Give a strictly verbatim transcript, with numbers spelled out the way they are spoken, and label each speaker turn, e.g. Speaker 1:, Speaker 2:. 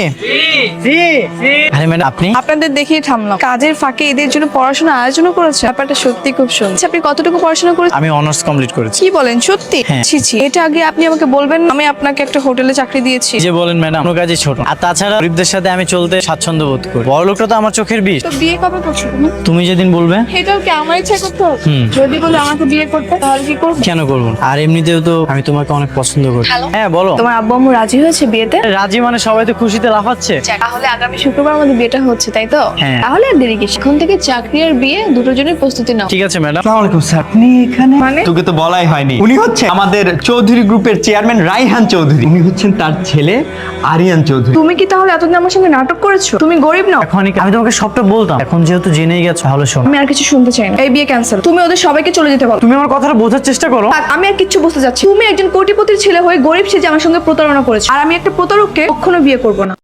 Speaker 1: আরে ম্যাডাম আপনি?
Speaker 2: আপনাদের দেখেই থামলাম। কাজের ফাঁকে এদের জন্য পড়াশোনা আয়োজন করেছে, ব্যাপারটা সত্যি খুব সুন্দর। আচ্ছা, আপনি কতটুকু পড়াশোনা করেছেন?
Speaker 1: আমি অনার্স কমপ্লিট করেছি।
Speaker 2: কি বলেন, সত্যি?
Speaker 1: হ্যাঁ।
Speaker 2: ছি ছি, এটা আগে আপনি আমাকে বলবেন। আমি আপনাকে একটা হোটেলে চাকরি দিয়েছি।
Speaker 1: যে বলেন ম্যাডাম, কোনো কাজই ছোট। আর তাছাড়া গরিবদের সাথে আমি চলতে স্বাচ্ছন্দ্য বোধ করি। বড় লোকটা তো আমার চোখের বিষ।
Speaker 2: তো বিয়ে কবে করছো তুমি?
Speaker 1: তুমি যেদিন বলবে।
Speaker 2: এটাও কি আমার ইচ্ছা করতে হবে?
Speaker 1: হুম।
Speaker 2: যদি বলে আমাকে বিয়ে করতে, তাহলে কি করবে?
Speaker 1: কেন করবো না? আর এমনিতেও তো আমি তোমাকে অনেক পছন্দ করি।
Speaker 2: হ্যালো?
Speaker 1: হ্যাঁ বলো।
Speaker 2: তোমার আব্বু আম্মু রাজি হয়েছে বিয়েতে?
Speaker 1: রাজি মানে সবাই তো খুশিতে লাফাচ্ছে।
Speaker 2: যাক, তাহলে আগামী শুক্রবার আমাদের বিয়েটা হচ্ছে, তাই তো?
Speaker 1: হ্যাঁ।
Speaker 2: তাহলে আর দেরি কিসের? এখন থেকে চাকরি আর বিয়ে দুটোর জন্য প্রস্তুতি নাও।
Speaker 1: ঠিক আছে ম্যাডাম।
Speaker 3: আসসালামু আলাইকুম স্যার, আপনি এখানে?
Speaker 2: মানে?
Speaker 3: তোকে তো বলাই হয়নি, উনি হচ্ছে আমাদের চৌধুরী গ্রুপের চেয়ারম্যান রাইহান চৌধুরী। উনি হচ্ছেন তার ছেলে আরিয়ান চৌধুরী।
Speaker 2: তুমি কি তাহলে এতদিন আমার সঙ্গে নাটক করেছো? তুমি গরিব নাও।
Speaker 1: এখন আমি তোমাকে সবটা বলতাম, এখন যেহেতু জেনেই গেছো তাহলে শোনো।
Speaker 2: আমি আর কিছু শুনতে চাই না। এই বিয়ে ক্যান্সেল। তুমি ওদের সবাইকে চলে যেতে বলো।
Speaker 1: তুমি আমার কথাটা বোঝার চেষ্টা করো।
Speaker 2: থাক, আমি আর কিচ্ছু বুঝতে যাচ্ছি। তুমি একজন কোটিপতির ছেলে হয়ে গরিব সেজে আমার সঙ্গে প্রতারণা করেছো, আর আমি একটা প্রতারককে কখনো বিয়ে করবো না।